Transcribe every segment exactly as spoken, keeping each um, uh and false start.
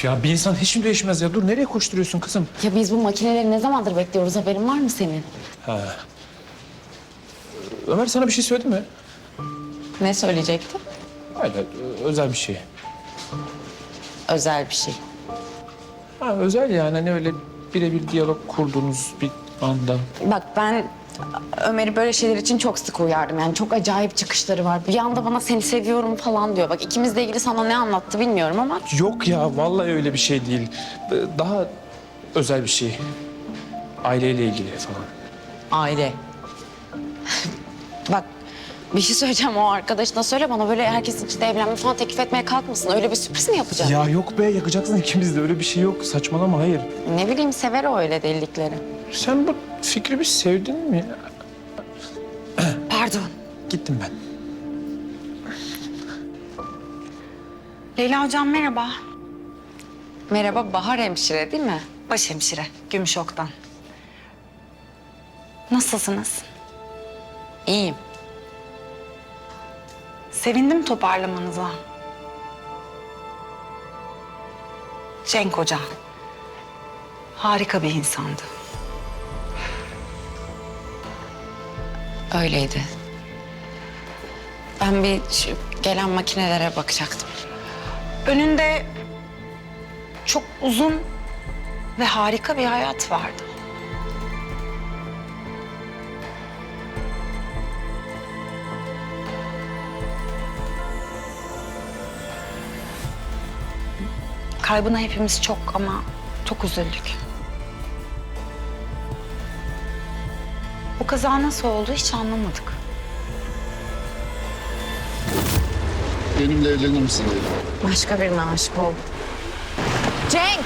Ya bir insan hiç mi değişmez ya? Dur nereye koşturuyorsun kızım? Ya biz bu makineleri ne zamandır bekliyoruz, haberin var mı senin? Ha. Ömer sana bir şey söyledi mi? Ne söyleyecekti? Öyle özel bir şey. Özel bir şey. Ha özel yani hani öyle birebir diyalog kurduğunuz bir anda. Bak ben Ömer'i böyle şeyler için çok sık uyardım. Yani çok acayip çıkışları var. Bir anda bana seni seviyorum falan diyor. Bak ikimizle ilgili sana ne anlattı bilmiyorum ama... Yok ya vallahi öyle bir şey değil. Daha özel bir şey. Aileyle ilgili falan. Aile. Bak bir şey söyleyeceğim, o arkadaşına söyle bana, böyle herkesin içinde evlenme falan teklif etmeye kalkmasın. Öyle bir sürpriz mi yapacak? Ya yok be yakacaksın ikimiz de öyle bir şey yok. Saçmalama hayır. Ne bileyim, sever o öyle delilikleri. Sen bu fikri bir sevdin mi? Pardon. Gittim ben. Leyla hocam merhaba. Merhaba, Bahar hemşire değil mi? Başhemşire, Gümüşok'tan. Nasılsınız? İyiyim. Sevindim toparlamanıza. Cenk Hoca. Harika bir insandı. Öyleydi. Ben bir şu gelen makinelere bakacaktım. Önünde çok uzun ve harika bir hayat vardı. Kaybına hepimiz çok ama çok üzüldük. Bu kaza nasıl oldu hiç anlamadık. Benimle evlenir misin Leyla? Başka birine aşık oldum. Cenk!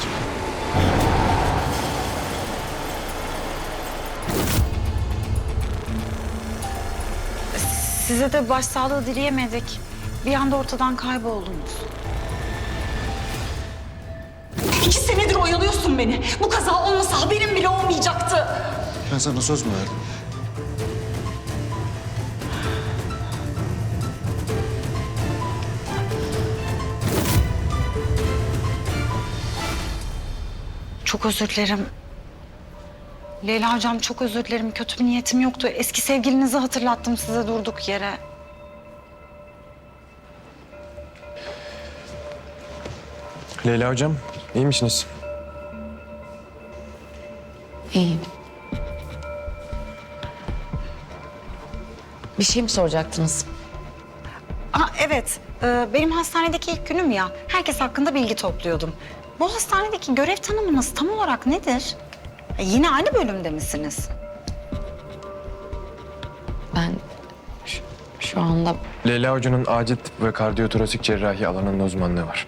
Size de başsağlığı dileyemedik. Bir anda ortadan kayboldunuz. İki senedir oyalıyorsun beni. Bu kaza olmasa haberim bile olmayacaktı. Ben sana söz mü verdim? Çok özür dilerim. Leyla hocam çok özür dilerim. Kötü bir niyetim yoktu. Eski sevgilinizi hatırlattım size durduk yere. Leyla hocam, iyi misiniz? İyiyim. Bir şey mi soracaktınız? Aa, evet. Ee, benim hastanedeki ilk günüm ya. Herkes hakkında bilgi topluyordum. Bu hastanedeki görev tanımınız tam olarak nedir? E, yine aynı bölümde misiniz? Ben şu, şu anda Leyla hocanın acil tıp ve kardiyotorasik cerrahi alanında uzmanlığı var.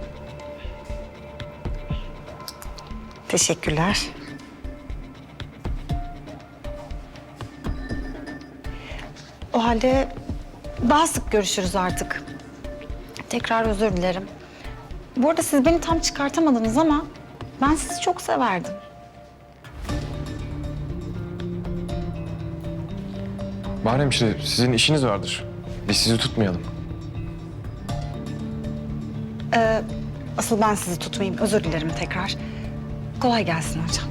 Teşekkürler. O halde daha sık görüşürüz artık. Tekrar özür dilerim. Bu arada siz beni tam çıkartamadınız ama ben sizi çok severdim. Bahar hemşire, sizin işiniz vardır. Biz sizi tutmayalım. Asıl ben sizi tutmayayım. Özür dilerim tekrar. Kolay gelsin hocam.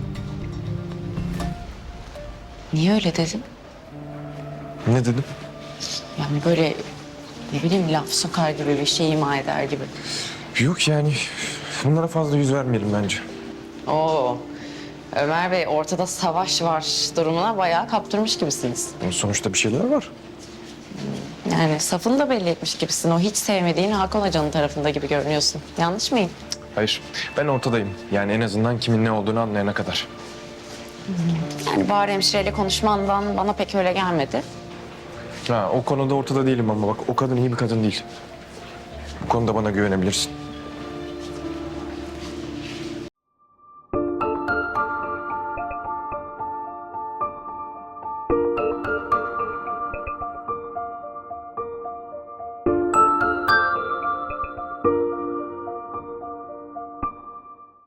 niye öyle dedim? Ne dedim? Yani böyle ne bileyim laf sokar gibi, bir şey ima eder gibi. Yok yani, bunlara fazla yüz vermeyelim bence. Oo. Ömer Bey, ortada savaş var durumuna bayağı kaptırmış gibisiniz. Sonuçta bir şeyler var. Yani safını da belli etmiş gibisin. O hiç sevmediğin Hakan Hoca'nın tarafında gibi görünüyorsun. Yanlış mıyım? Hayır, ben ortadayım. Yani en azından kimin ne olduğunu anlayana kadar. Yani Bahar hemşireyle konuşmandan bana pek öyle gelmedi. Ha, o konuda ortada değilim ama bak o kadın iyi bir kadın değil. Bu konuda bana güvenebilirsin.